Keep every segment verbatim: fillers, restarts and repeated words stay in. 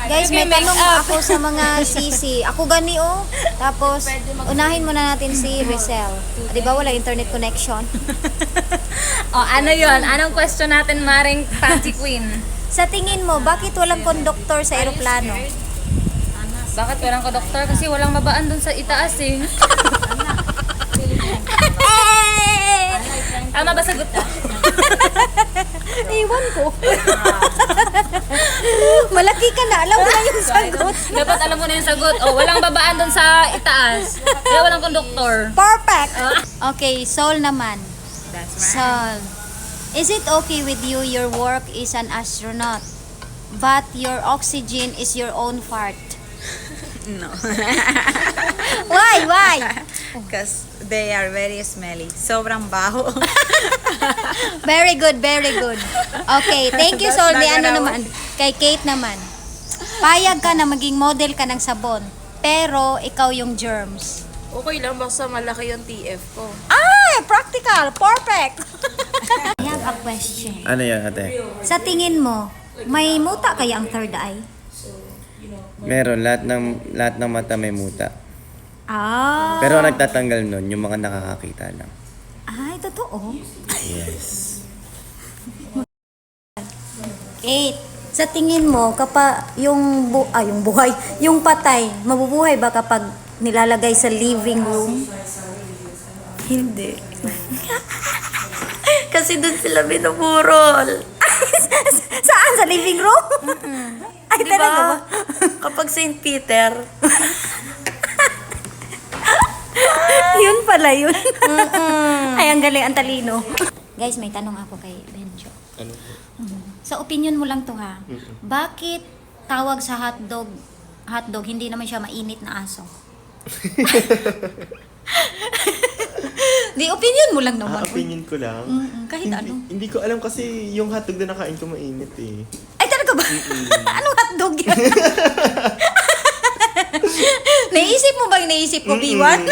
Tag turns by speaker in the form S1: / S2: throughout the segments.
S1: Guys, may tanong ako sa mga sisi. Ako gani oh. Tapos, unahin muna natin si Rizal. Di ba wala internet connection?
S2: O, ano yon? Anong question natin, Maring Panty Queen?
S1: Sa tingin mo, bakit walang konduktor sa eroplano?
S2: Bakit walang doktor? Kasi walang mabaan dun sa itaas eh. Tama ba sagot ko?
S1: Iwan ko. Malaki ka na. Alam mo na yung sagot.
S2: Dapat alam mo na yung sagot. O, walang babaan dun sa itaas. Kaya walang konduktor.
S1: Perfect. Okay, Sol naman.
S2: That's
S1: Sol, is it okay with you your work is an astronaut, but your oxygen is your own fart?
S3: No.
S1: Why? Why?
S3: Because they are very smelly. Sobrang baho.
S1: Very good, very good. Okay, thank you,
S3: That's
S1: Sol.
S3: not
S1: May ano
S3: gonna
S1: naman, kay Kate naman. Payag ka na maging model ka ng sabon, pero ikaw yung germs.
S4: Okay lang, basta malaki yung T F ko.
S1: Ay, practical. Perfect. I have a question.
S5: Ano yan, ate?
S1: Sa tingin mo, may muta kaya ang third eye?
S5: Meron, lahat ng, lahat ng mata may muta.
S1: Ah.
S5: Pero ang nagtatanggal nun, yung mga nakakakita lang.
S1: Ay, totoo.
S5: Yes.
S1: Eight. Sa tingin mo, kapag yung, bu ah, yung buhay, yung patay, mabubuhay ba kapag nilalagay sa living room?
S4: Hindi. Kasi doon sila binuburol.
S1: Saan? Sa living room? Ay,
S4: Diba?
S1: talaga ba?
S4: Kapag Saint Peter.
S1: Yun pala yun. Ay, ang galing, ang talino. Guys, may tanong ako kay Benjo.
S5: Ano?
S1: Sa opinion mo lang to ha. Bakit tawag sa hotdog, hotdog, hindi naman siya mainit na aso? Di, opinion mo lang naman.
S6: Ah, opinion ko lang.
S1: Mm-mm, kahit
S6: hindi,
S1: ano.
S6: Hindi ko alam kasi yung hotdog na nakain ko mainit eh.
S1: Ay, talaga ba? Anong hotdog yan? Naisip mo ba yung naisip ko, B one?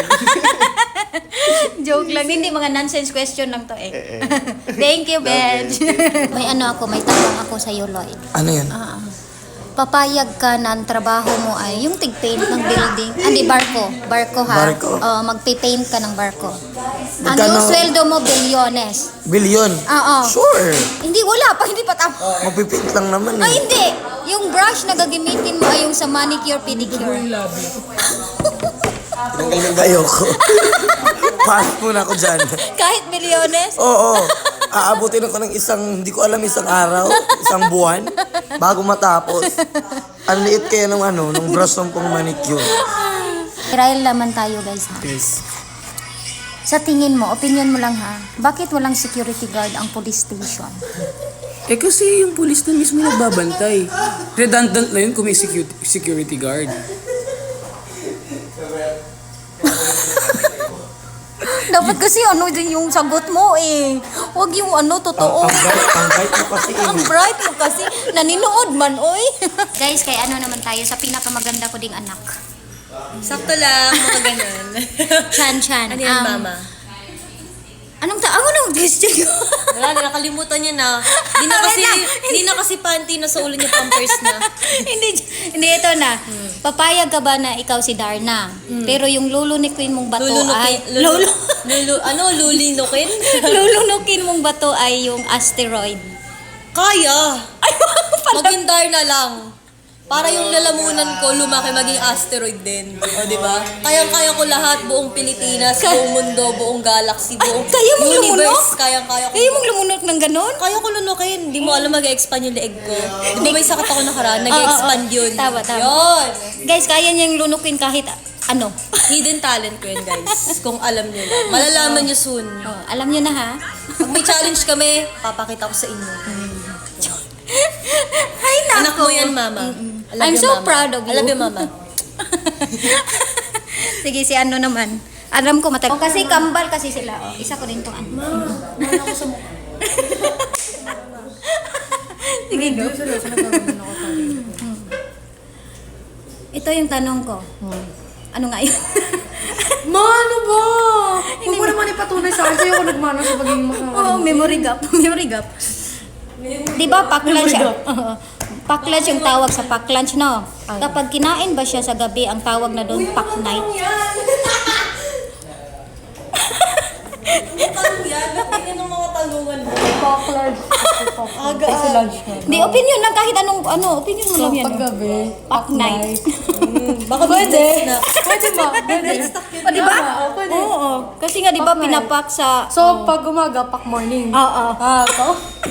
S1: Joke lang. Hindi, mga nonsense question lang to eh.
S6: Eh, eh.
S1: Thank you, Ben.
S6: Okay.
S1: May ano ako, may tanong ako sa iyo, Lloyd.
S7: Ano yan?
S1: Ah, papayag ka na ang trabaho mo ay yung tig-paint ng building. Hindi, barko. Barko ha?
S7: Barko.
S1: Oo, magpipaint ka ng barko. Ang
S7: Magkano?
S1: yung sweldo mo, bilyones.
S7: Billion?
S1: Oo.
S7: Sure.
S1: Hindi, wala pa. Hindi pa tama.
S7: Magpipint lang naman
S1: Ay,
S7: eh.
S1: hindi. Yung brush na gagamitin mo ay yung sa manicure, pedicure.
S7: Tinanggal yung ayoko. Pass muna ako dyan.
S1: Kahit milyones.
S7: Oo. Aabutin ako ng isang, hindi ko alam, isang araw, isang buwan, bago matapos. Ang liit kaya ng ano, ng brush ng pang manicure.
S1: Trial naman tayo, guys, ha?
S7: Yes.
S1: Sa tingin mo, opinion mo lang, ha? Bakit walang security guard ang police station?
S8: Eh kasi yung pulis na mismo nagbabantay. Redundant na yun kung may secu- security guard.
S1: Dapat kasi ano din yung sagot mo, eh. Huwag yung ano, totoo.
S7: Ang bright, ang bright mo kasi.
S1: Ang bright mo kasi. Naninood man, oy. Guys, kay ano naman tayo sa pinakamaganda ko ding anak.
S4: Sakto lang, mga ganun.
S1: Chan Chan.
S4: Ano yan,
S1: Um,
S4: mama?
S1: Anong ta? Ano nang question ko?
S4: Wala na, nakalimutan niya na. Di na kasi, di na kasi panty na sa ulo niya, pampers na.
S1: hindi, hindi, ito na. Papayag ka ba na ikaw si Darna? Pero yung lulunukin mong bato ay...
S4: Lulunukin, lulu, lulu, ano, lulinukin?
S1: Lulunukin mong bato ay yung asteroid.
S4: Kaya! Maging Darna lang. Para yung lalamunan ko, lumaki maging asteroid din. O, di ba? Kayang-kaya ko lahat, buong Pilipinas, buong mundo, buong galaxy, buong
S1: kaya mong lumunok?
S4: universe. Kayang-kaya ko.
S1: Kaya mong lumunok ng ganon?
S4: Kaya ko lunukin. Hindi mo alam mag-expand yung leeg ko. Di ba may sakit ako nakaraan? Nag-expand
S1: Oo, oo.
S4: yun.
S1: Tama, tama.
S4: Yun.
S1: Guys, kaya niyang lunukin kahit ano.
S4: Hidden talent ko yun, guys. Kung alam nyo lang. Malalaman nyo soon.
S1: Oh, alam niyo na ha?
S4: Pag may challenge kami, papakita ko sa inyo.
S1: Ay, nako.
S4: Anak mo yan, mama. I love
S1: I'm
S4: you,
S1: so
S4: mama.
S1: proud of you.
S4: I love you, mama.
S1: Sige, si ano naman. Alam ko matagal. Oh, kasi kambal kasi sila. Oh, isa ko din to ano.
S4: Mana ko sa mukha.
S1: Sige, go. Ito yung tanong ko. Ano nga yun?
S4: Mano ba? Huwag mo naman ipatunay sa akin. Sa'yo ako nagmano sa pagiging
S1: Oo, memory gap. Memory gap. Di ba pakla siya? Oo. Pack lunch yung tawag sa pack lunch, no? Kapag kinain ba siya sa gabi, ang tawag na doon pack night.
S4: Tanong yan, bakit ng mga tanungan mo? Aga,
S1: Di, opinion lang, kahit anong, ano, opinion mo lang yan.
S9: Paggabi,
S1: Pack night.
S4: baka pwede. Na.
S9: Pwede ba? Pwede.
S1: O, di ba? Oo. Kasi nga, di ba, pinapak sa...
S9: So, pag umaga, pack morning.
S1: Oo.
S9: Ah, to?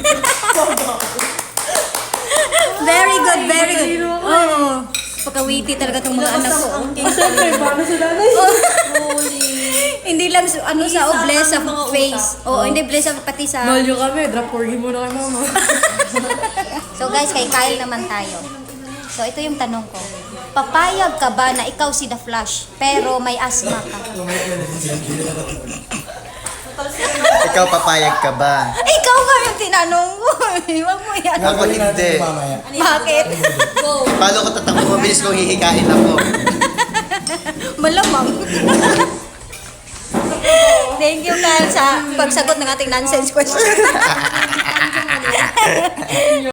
S1: Very good, very good. Oo. Pagka-witty talaga itong mga anak ko.
S9: Siyempre, paano sila na
S1: Hindi lang su- ano sa o bless sa face. Oo, hindi bless sa pati sa...
S9: Nolyo kami, drop corgi muna kay mama.
S1: So guys, kay Kyle naman tayo. So ito yung tanong ko. Papayag ka ba na ikaw si The Flash, pero may asthma ka?
S5: Ikaw papayag ka ba?
S1: Ikaw nga yung tinanong mo. Huwag mo yan.
S5: Ako hindi.
S1: Bakit?
S5: Paano ko tatakbo? Mabilis kong hihikain ako.
S1: Malamang. Thank you, Kyle, sa pagsagot ng ating nonsense question.